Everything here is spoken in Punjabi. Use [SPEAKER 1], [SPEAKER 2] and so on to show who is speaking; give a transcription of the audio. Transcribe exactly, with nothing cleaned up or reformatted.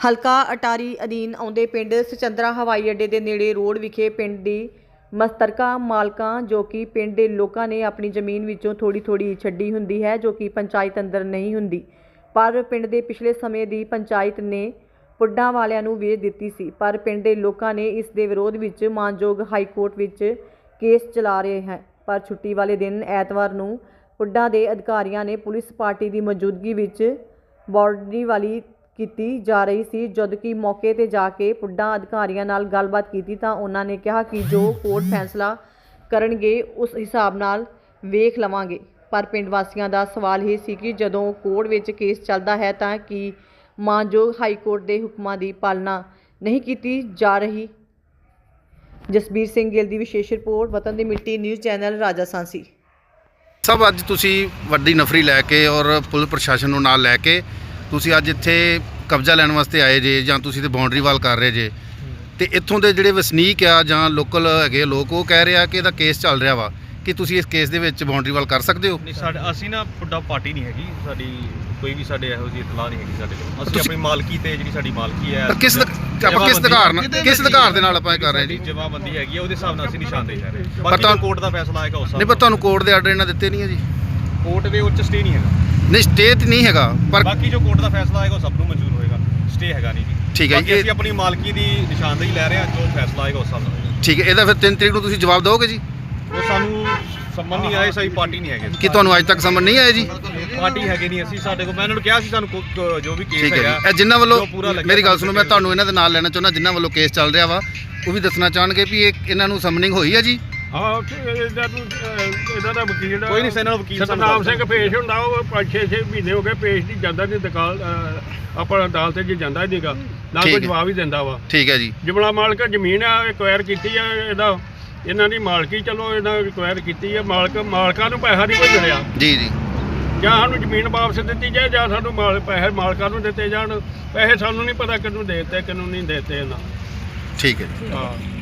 [SPEAKER 1] ਹਲਕਾ ਅਟਾਰੀ ਅਧੀਨ ਆਉਂਦੇ ਪਿੰਡ ਸਚੰਦਰਾ ਹਵਾਈ ਅੱਡੇ ਦੇ ਨੇੜੇ ਰੋਡ ਵਿਖੇ ਪਿੰਡ ਦੀ ਮਸਤਰਕਾ ਮਾਲਕਾਂ ਜੋ ਕਿ ਪਿੰਡ ਦੇ ਲੋਕਾਂ ਨੇ ਆਪਣੀ ਜ਼ਮੀਨ ਵਿੱਚੋਂ ਥੋੜੀ ਥੋੜੀ ਛੱਡੀ ਹੁੰਦੀ ਹੈ ਜੋ ਕਿ ਪੰਚਾਇਤ ਅੰਦਰ ਨਹੀਂ ਹੁੰਦੀ, ਪਰ ਪਿੰਡ ਦੇ ਪਿਛਲੇ ਸਮੇਂ ਦੀ ਪੰਚਾਇਤ ਨੇ ਪੁੱਡਾਂ ਵਾਲਿਆਂ ਨੂੰ ਵੇਚ ਦਿੱਤੀ ਸੀ। ਪਰ ਪਿੰਡ ਦੇ ਲੋਕਾਂ ਨੇ ਇਸ ਦੇ ਵਿਰੋਧ ਵਿੱਚ ਮਾਨਯੋਗ ਹਾਈ ਕੋਰਟ ਵਿੱਚ ਕੇਸ ਚਲਾ ਰਹੇ ਹਨ। ਪਰ ਛੁੱਟੀ ਵਾਲੇ ਦਿਨ ਐਤਵਾਰ ਨੂੰ ਪੁੱਡਾਂ ਦੇ ਅਧਿਕਾਰੀਆਂ ਨੇ ਪੁਲਿਸ ਪਾਰਟੀ ਦੀ ਮੌਜੂਦਗੀ ਵਿੱਚ ਬਾਰਡਰੀ ਵਾਲੀ ਕੀਤੀ ਜਾ ਰਹੀ ਸੀ। ਜਦ ਕਿ ਮੌਕੇ ਤੇ ਜਾ ਕੇ ਪੁੱਡਾਂ ਅਧਿਕਾਰੀਆਂ ਨਾਲ ਗੱਲਬਾਤ ਕੀਤੀ ਤਾਂ ਉਹਨਾਂ ਨੇ ਕਿਹਾ ਕਿ ਜੋ ਕੋਰਟ ਫੈਸਲਾ ਕਰਨਗੇ ਉਸ ਹਿਸਾਬ ਨਾਲ ਵੇਖ ਲਵਾਂਗੇ। ਪਰ ਪਿੰਡ ਵਾਸੀਆਂ ਦਾ ਸਵਾਲ ਇਹ ਸੀ ਕਿ ਜਦੋਂ ਕੋਰਟ ਵਿੱਚ ਕੇਸ ਚੱਲਦਾ ਹੈ ਤਾਂ ਕੀ ਮਾਨਯੋਗ ਹਾਈ ਕੋਰਟ ਦੇ ਹੁਕਮਾਂ ਦੀ ਪਾਲਣਾ ਨਹੀਂ ਕੀਤੀ ਜਾ ਰਹੀ। ਜਸਬੀਰ ਸਿੰਘ ਗਿੱਲ ਦੀ ਵਿਸ਼ੇਸ਼ ਰਿਪੋਰਟ, ਵਤਨ ਦੀ ਮਿੱਟੀ ਨਿਊਜ਼ ਚੈਨਲ, ਰਾਜਾ ਸਾਂਸੀ।
[SPEAKER 2] ਸਭ ਅੱਜ ਤੁਸੀਂ ਵੱਡੀ ਨਫਰੀ ਲੈ ਕੇ ਔਰ ਪੁਲਿਸ ਪ੍ਰਸ਼ਾਸਨ ਨੂੰ ਨਾਲ ਲੈ ਕੇ ਤੁਸੀਂ ਅੱਜ ਇੱਥੇ ਕਬਜ਼ਾ ਲੈਣ ਵਾਸਤੇ ਆਏ ਜੇ ਜਾਂ ਤੁਸੀਂ ਤੇ ਬਾਉਂਡਰੀ ਵਾਲ ਕਰ ਰਹੇ ਜੇ, ਤੇ ਇੱਥੋਂ ਦੇ ਜਿਹੜੇ ਵਸਨੀਕ ਆ ਜਾਂ ਲੋਕਲ ਹੈਗੇ ਲੋਕ ਉਹ ਕਹਿ ਰਿਹਾ ਕਿ ਇਹਦਾ ਕੇਸ ਚੱਲ ਰਿਹਾ ਵਾ, ਕਿ ਤੁਸੀਂ ਇਸ ਕੇਸ ਦੇ ਵਿੱਚ ਬਾਉਂਡਰੀ ਵਾਲ ਕਰ ਸਕਦੇ ਹੋ?
[SPEAKER 3] ਨਹੀਂ, ਸਾਡੇ ਅਸੀਂ ਨਾ ਪੁੱਡਾ ਪਾਰਟੀ ਨਹੀਂ ਹੈਗੀ ਸਾਡੀ, ਕੋਈ ਵੀ ਸਾਡੇ ਇਹੋ ਜਿਹੀ ਇਤਲਾਹ ਨਹੀਂ ਹੈਗੀ ਸਾਡੇ ਕੋਲ। ਅਸੀਂ ਆਪਣੀ ਮਾਲਕੀ ਤੇ ਜਿਹੜੀ ਸਾਡੀ ਮਾਲਕੀ ਹੈ
[SPEAKER 2] ਕਿਸ ਆਪਾਂ ਕਿਸ ਅਧਿਕਾਰ ਨਾਲ ਕਿਸ ਅਧਿਕਾਰ ਦੇ ਨਾਲ ਆਪਾਂ ਇਹ ਕਰ ਰਹੇ ਜੀ?
[SPEAKER 3] ਜਮਾਬੰਦੀ ਹੈਗੀ ਆ, ਉਹਦੇ ਹਿਸਾਬ ਨਾਲ ਅਸੀਂ ਨਿਸ਼ਾਨਦੇਹੀ ਕਰ ਰਹੇ ਹਾਂ। ਬਾਕੀ ਕੋਰਟ ਦਾ ਫੈਸਲਾ ਆਏਗਾ ਉਸ
[SPEAKER 2] ਨਹੀਂ, ਪਰ ਤੁਹਾਨੂੰ ਕੋਰਟ ਦੇ ਆਰਡਰ ਇਹਨਾਂ ਦਿੱਤੇ ਨਹੀਂ ਹੈ ਜੀ?
[SPEAKER 3] ਕੋਰਟ ਦੇ ਉੱਚ ਸਟੇ ਨਹੀਂ ਹੈਗਾ।
[SPEAKER 2] ਨਹੀਂ, ਸਟੇ ਤੇ ਨਹੀਂ ਹੈਗਾ, ਪਰ
[SPEAKER 3] ਬਾਕੀ ਜੋ ਕੋਰਟ ਦਾ ਫੈਸਲਾ ਆਏਗਾ ਉਹ ਸਭ ਨੂੰ ਮਨਜ਼ੂਰ ਹੋਏਗਾ। ਸਟੇ ਹੈਗਾ ਨਹੀਂ ਜੀ।
[SPEAKER 2] ਠੀਕ ਹੈ ਜੀ,
[SPEAKER 3] ਅਸੀਂ ਆਪਣੀ ਮਾਲਕੀ ਦੀ ਨਿਸ਼ਾਨਦੇਹੀ ਲੈ ਰਹੇ ਹਾਂ, ਜੋ ਫੈਸਲਾ ਆਏਗਾ ਉਸ ਹਿਸਾਬ ਨਾਲ।
[SPEAKER 2] ਠੀਕ ਹੈ, ਇਹਦਾ ਫਿਰ ਤਿੰਨ ਤਰੀਕ ਨੂੰ ਤੁਸੀਂ ਜਵਾਬ ਦਿਓਗੇ ਜੀ?
[SPEAKER 3] ਉਹ ਸਾਨੂੰ ਸੰਮਨ ਨਹੀਂ ਆਏ, ਸਹੀ ਪਾਰਟੀ ਨਹੀਂ ਹੈਗੇ।
[SPEAKER 2] ਕਿ ਤੁਹਾਨੂੰ ਅੱਜ ਤੱਕ ਸਮਝ ਨਹੀਂ ਆਏ ਜੀ?
[SPEAKER 3] ਪਾਰਟੀ ਹੈਗੇ ਨਹੀਂ ਅਸੀਂ, ਸਾਡੇ ਕੋਲ ਮੈਂ ਇਹਨਾਂ ਨੂੰ ਕਿਹਾ ਸੀ ਸਾਨੂੰ ਜੋ ਵੀ ਕੇਸ ਹੈਗਾ
[SPEAKER 2] ਇਹ ਜਿਨ੍ਹਾਂ ਵੱਲੋਂ, ਮੇਰੀ ਗੱਲ ਸੁਣੋ, ਮੈਂ ਤੁਹਾਨੂੰ ਇਹਨਾਂ ਦੇ ਨਾਲ ਲੈਣਾ ਚਾਹੁੰਦਾ, ਜਿਨ੍ਹਾਂ ਵੱਲੋਂ ਕੇਸ ਚੱਲ ਰਿਹਾ ਵਾ ਉਹ ਵੀ ਦੱਸਣਾ ਚਾਹਣਗੇ ਵੀ ਇਹ ਇਹਨਾਂ ਨੂੰ ਸਮਨਿੰਗ ਹੋਈ ਹੈ ਜੀ?
[SPEAKER 4] ਹਾਂ, ਇਹਨਾਂ ਨੂੰ ਇਹਨਾਂ ਦਾ ਵਕੀਲ
[SPEAKER 3] ਕੋਈ ਨਹੀਂ, ਇਹਨਾਂ ਦਾ ਵਕੀਲ
[SPEAKER 4] ਸਤਨਾਮ ਸਿੰਘ ਪੇਸ਼ ਹੁੰਦਾ, ਉਹ ਪੰਜ ਛੇ ਛੇ ਮਹੀਨੇ ਹੋ ਗਏ ਪੇਸ਼ ਨਹੀਂ ਜਾਂਦਾ, ਨਹੀਂ ਦੁਕਾਨ ਆਪਣਾ ਅਦਾਲਤ 'ਚ ਜਾਂਦਾ ਨਹੀਂਗਾ, ਨਾ ਕੋਈ ਜਵਾਬ ਹੀ ਦਿੰਦਾ ਵਾ।
[SPEAKER 2] ਠੀਕ ਹੈ ਜੀ।
[SPEAKER 4] ਜਮਲਾ ਮਾਲਕ ਜ਼ਮੀਨ ਆ, ਐਕਵਾਇਰ ਕੀਤੀ ਆ, ਇਹਦਾ ਇਹਨਾਂ ਦੀ ਮਾਲਕੀ, ਚਲੋ ਇਹਨਾਂ ਐਕਵਾਇਰ ਕੀਤੀ ਆ, ਮਾਲਕ ਮਾਲਕਾਂ ਨੂੰ ਪੈਸਾ ਨਹੀਂ ਕੋਈ ਮਿਲਿਆ
[SPEAKER 2] ਜੀ ਜੀ।
[SPEAKER 4] ਜਾਂ ਸਾਨੂੰ ਜ਼ਮੀਨ ਵਾਪਸ ਦਿੱਤੀ ਜਾਏ ਜਾਂ ਸਾਨੂੰ ਮਾਲ ਪੈਸੇ ਮਾਲਕਾਂ ਨੂੰ ਦਿੱਤੇ ਜਾਣ। ਪੈਸੇ ਸਾਨੂੰ ਨਹੀਂ ਪਤਾ ਕਿਹਨੂੰ ਦੇ ਦਿੱਤੇ ਕਿਹਨੂੰ ਨਹੀਂ ਦੇ ਦਿੱਤੇ ਇਹਨਾਂ।
[SPEAKER 2] ਠੀਕ ਹੈ ਜੀ।
[SPEAKER 4] ਹਾਂ।